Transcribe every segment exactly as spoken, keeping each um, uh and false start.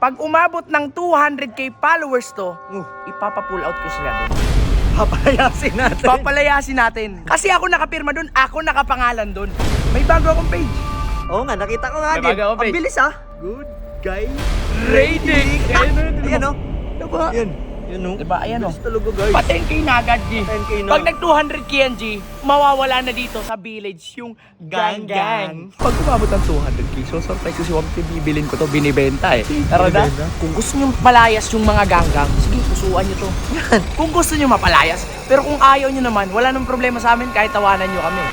Pag umabot ng two hundred k followers to, Uh, ipapa-pull out ko sila doon. papalayasin natin. Papalayasin natin. Kasi ako nakapirma doon, ako nakapangalan doon. May bago akong page. Oo nga, nakita ko nga May din. bago akong Ang page. bilis ah. Good guy. Rating! Ayan o. Diba? Ayan. Ayan o. Diba? Ayan o. Bilis talaga guys. Pa ten k na agad, G. ten K na. Pag nag two hundred k yan, G, mawawala na dito sa village yung gang gang. Gang-gang. Pag umabot ng two hundred k, so surprise ko si Wampi, bibilin ko to, binibenta eh. Tara na. Binibenta? Kung gusto nyo mapalayas yung mga gang-gang, sige, pusuan nyo to. Kung gusto nyo mapalayas, pero kung ayaw nyo naman, wala nang problema sa amin kahit tawanan nyo kami.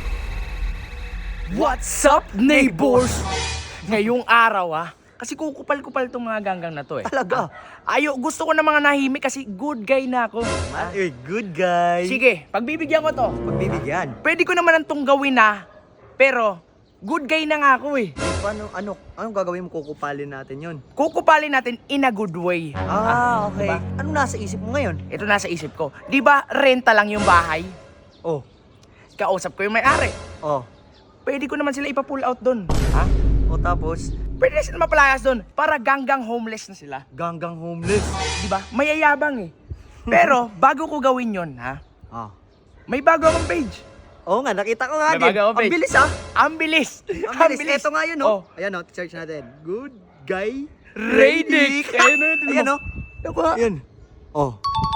What's up, neighbors? Ngayong araw ah, kasi kukupal-kupal tong mga ganggang na to eh. Talaga? Ah, ayo, gusto ko ng mga nahimik kasi good guy na ako. Ay, good guy. Sige, pagbibigyan ko to. Pagbibigyan. Pwede ko naman itong gawin na, pero good guy na nga ako eh. Paano, ano, anong gagawin mo? Kukupalin natin yun. Kukupalin natin in a good way. Ah, okay. diba? Anong nasa isip mo ngayon? Ito nasa isip ko. Di ba renta lang yung bahay? Oh, Kausap ko yung may-ari. oh. Pwede ko naman sila ipa-pull out doon. Ha? O tapos, Pwede na sila mapalayas doon para ganggang homeless na sila. ganggang homeless. Di ba? Mayayabang eh. Pero bago ko gawin yon, ha? Ah. May bago akong page. Oo nga, nakita ko nga May din. bago akong Ang page. bilis ah. Ang bilis. Ang bilis. Ito nga yun, Oh. no? Ayan, no? Search natin. Good guy. Radic. Ayun, ayun, ayun. Ayan, no? Diba? Ayan. Oh.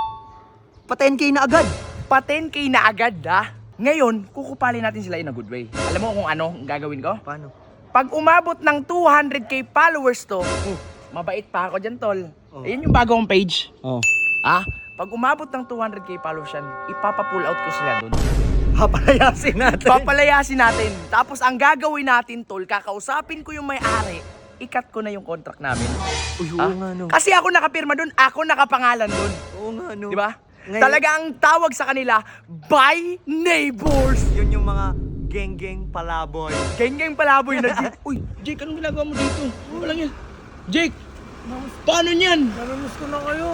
Pa ten K na agad. Pa ten k na agad, ha? Ngayon, kukupalin natin sila in a good way. Alam mo kung ano ang gagawin ko? Paano? Pag umabot ng two hundred k followers to, mabait pa ako dyan, tol. Oh. Ayun yung bagong page. Oh. Ah, pag umabot ng two hundred k followers yan, ipapa-pull out ko sila doon. Papalayasin natin. Papalayasin natin. Tapos ang gagawin natin, tol, kakausapin ko yung may-ari, ikat ko na yung contract namin. Uy, oo Ah, nga, no? Kasi ako nakapirma doon, ako nakapangalan doon. Oo nga, no? Di ba? Ngayon- Talaga ang tawag sa kanila, by neighbors. Yun yung mga geng-geng palaboy. Geng-geng palaboy na Jake. Uy, Jake, anong ginagawa mo dito? Walang yan. Jake, paano niyan? Namimiss ko na kayo.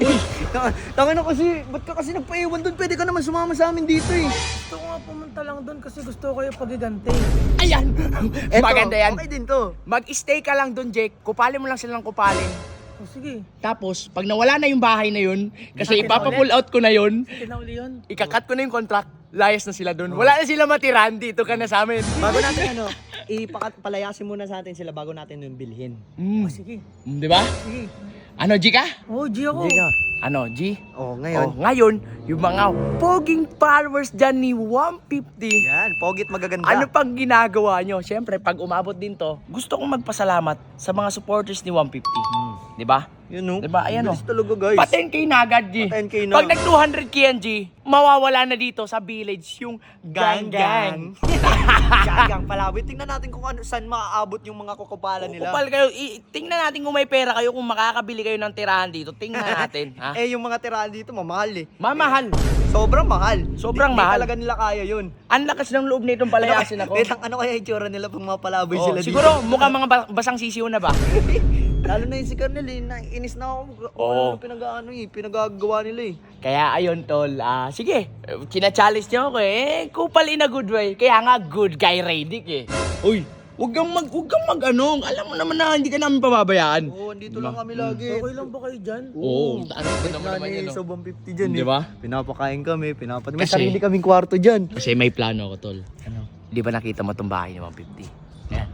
Tanga na kasi, ba't ka kasi nagpaiwan doon? Pwede ka naman sumama sa amin dito eh. Gusto ko nga pumunta lang doon kasi gusto ko kayo pagiganti. Ayan! Eto, Maganda yan. Okay din to. Mag-stay ka lang doon, Jake. Kupalin mo lang sila ng kupalin. O sige, Tapos, pag nawala na yung bahay na yun, kasi Akin na ipapapull out ko na yun, kinauli yun. ikakat ko na yung contract, layas na sila doon. Wala na sila matiran, dito ka na sa amin. Bago natin ano, ipapalayasin muna sa atin sila bago natin yung bilhin. Mm. O sige, Mm, di ba? sige. Ano, G ka? Oh, G ako. Hindi ka. Ano, G? Oh, ngayon. Oh, ngayon, yung mga poging followers dyan ni one fifty, Yan, pogit magaganda. ano pang ginagawa nyo? Siyempre, pag umabot din to, gusto kong magpasalamat sa mga supporters ni one fifty. Hmm. Di ba? Yun no? Diba? Ayan, Bilis oh. talaga guys. Pa ten k na agad, G. Pa ten K na. Pag nag two hundred k yan, G, mawawala na dito sa village yung gang-gang. Ganggang palaboy. Tingnan natin kung ano, saan maaabot yung mga kukupalan nila. Kupal kayo, i- tingnan natin kung may pera kayo, kung makakabili kayo ng tirahan dito. Tingnan natin, ha? Eh, yung mga tirahan dito, mamahal eh. Mamahal. Sobrang mahal. Sobrang Di- di mahal. talaga nila kaya yun. Ang lakas ng loob nitong palayasin ako. Eh, ano kaya yung tsura nila pag mga palaboy Oh, sila siguro, mukha mga ba- basang sisiw na ba? dito? Lalo na yung si Colonel eh, naiinis na ako. Oo. Ano pinag-ano eh, pinagagawa nila eh. Kaya ayun, tol. Ah, sige, kina-challenge niyo ako eh. Kupal in a good way. Kaya nga, good guy Radic eh. Uy, wag kang mag, wag kang mag ano. Alam mo naman na hindi ka namin pababayaan. Oo, andito lang kami lagi. Okay lang ba kayo dyan? Oo, ano ba naman naman Nani, yan, no? sa one fifty dyan Di eh. ba? Pinapakain kami, pinapat. May Kasi- sarili kaming kwarto dyan. Kasi may plano ako, tol. Ano? Di ba nakita mo itong bahay ni one fifty? Yan.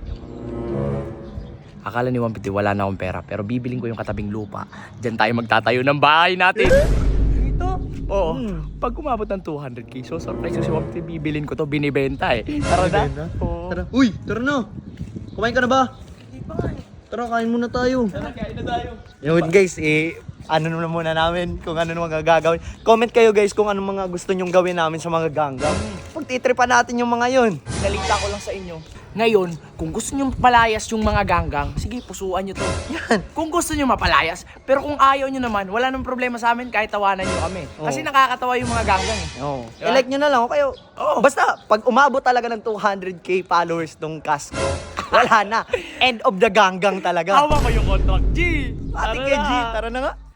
Akala ni one fifty wala na akong pera, pero bibiling ko yung katabing lupa. Diyan tayo magtatayo ng bahay natin. Dito? Oo. Hmm. Pag umabot ng two hundred k, so surprise ko si one fifty, bibilin ko to, binibenta eh. Tara na. Binibenta? Oo. Tara. Uy, tara na. Kumain ka na ba? Hindi pa nga eh. Tara, kain muna tayo. Tara, kain na tayo. Yun guys, eh, ano naman muna namin kung ano naman gagawin. Comment kayo guys kung ano mga gusto nyong gawin namin sa mga ganggang. Pagtitripan natin yung mga yun. Pinalita ko lang sa inyo. Ngayon, kung gusto nyo mapalayas yung mga ganggang, sige, pusuan nyo to. Yan. Kung gusto nyo mapalayas, pero kung ayaw nyo naman, wala nang problema sa amin kahit tawanan nyo kami. Kasi Oo. nakakatawa yung mga ganggang eh. Oo. Diba? I-like nyo na lang. o Kayo, Oo. basta, pag umabot talaga ng two hundred k followers tong cast ko, wala na. End of the ganggang talaga. Hawa ko yung contract, G! Ate Tara Kenji, na. tara na nga.